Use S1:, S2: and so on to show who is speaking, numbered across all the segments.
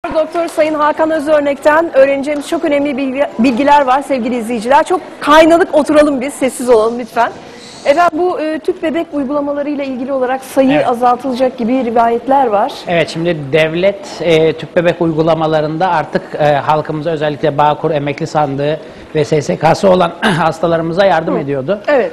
S1: Doktor Sayın Hakan Özörnek'ten öğreneceğimiz çok önemli bilgiler var sevgili izleyiciler. Çok kaynadık, oturalım biz, sessiz olalım lütfen. Efendim bu tüp bebek uygulamalarıyla ilgili olarak sayı azaltılacak gibi rivayetler var.
S2: Evet, şimdi devlet tüp bebek uygulamalarında artık halkımıza, özellikle Bağkur Emekli Sandığı ve SSK'sı olan hastalarımıza yardım ediyordu.
S1: Evet.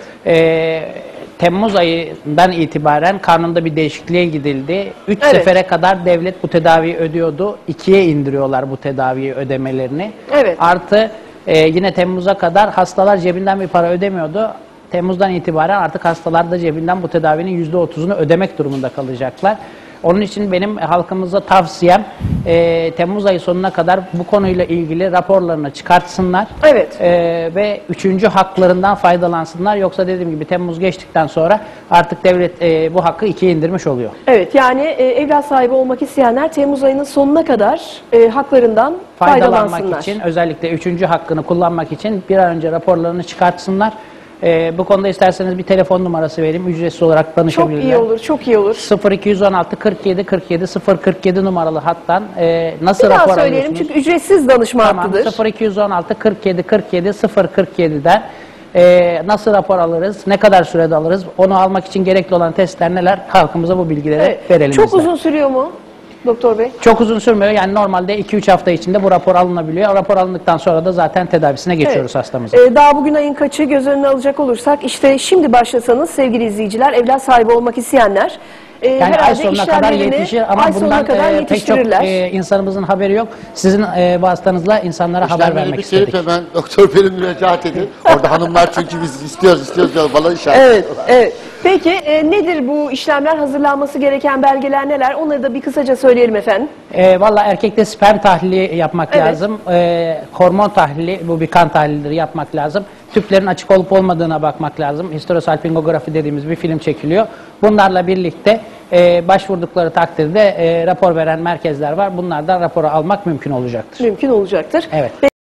S2: Temmuz ayından itibaren kanunda bir değişikliğe gidildi. 3 sefere kadar devlet bu tedaviyi ödüyordu. 2'ye indiriyorlar bu tedaviyi ödemelerini.
S1: Evet.
S2: Artı yine Temmuz'a kadar hastalar cebinden bir para ödemiyordu. Temmuz'dan itibaren artık hastalar da cebinden bu tedavinin %30'unu ödemek durumunda kalacaklar. Onun için benim halkımıza tavsiyem Temmuz ayı sonuna kadar bu konuyla ilgili raporlarını çıkartsınlar.
S1: Evet.
S2: Ve 3. haklarından faydalansınlar. Yoksa dediğim gibi Temmuz geçtikten sonra artık devlet bu hakkı 2'ye indirmiş oluyor.
S1: Evet, yani evlat sahibi olmak isteyenler Temmuz ayının sonuna kadar haklarından faydalansınlar.
S2: için, özellikle 3. hakkını kullanmak için bir an önce raporlarını çıkartsınlar. Bu konuda isterseniz bir telefon numarası vereyim. Ücretsiz olarak danışabilirler.
S1: Çok iyi olur, çok iyi olur.
S2: 0216 47 47 047 numaralı hattan nasıl
S1: bir
S2: rapor
S1: daha söyleyelim
S2: alıyorsunuz?
S1: çünkü ücretsiz danışma hattıdır.
S2: 0216 47 47 047'den nasıl rapor alırız, ne kadar sürede alırız, onu almak için gerekli olan testler neler, halkımıza bu bilgileri verelim.
S1: Çok
S2: bizler.
S1: uzun sürüyor mu doktor bey?
S2: Çok uzun sürmüyor. Yani normalde 2-3 hafta içinde bu rapor alınabiliyor. Rapor alındıktan sonra da zaten tedavisine geçiyoruz hastamızın.
S1: Daha bugün ayın kaçı göz önüne alacak olursak işte şimdi başlasanız sevgili izleyiciler, evlat sahibi olmak isteyenler
S2: yani ay sonuna kadar yetişir ama bundan pek çok insanımızın haberi yok. Sizin vasıtanızla insanlara haber vermek istedik.
S3: Hemen doktor benim müracaat edin. Orada hanımlar çünkü biz istiyoruz diyor, bana işaret.
S1: Evet, evet. Peki nedir bu işlemler, hazırlanması gereken belgeler neler? Onları da bir kısaca söyleyelim efendim.
S2: Valla erkekte sperm tahlili yapmak lazım. Hormon tahlili, bu bir kan tahlilidir, yapmak lazım. Tüplerin açık olup olmadığına bakmak lazım. Histerosalpingografi dediğimiz bir film çekiliyor. Bunlarla birlikte başvurdukları takdirde rapor veren merkezler var. Bunlardan raporu almak mümkün olacaktır.
S1: Mümkün olacaktır.
S2: Evet.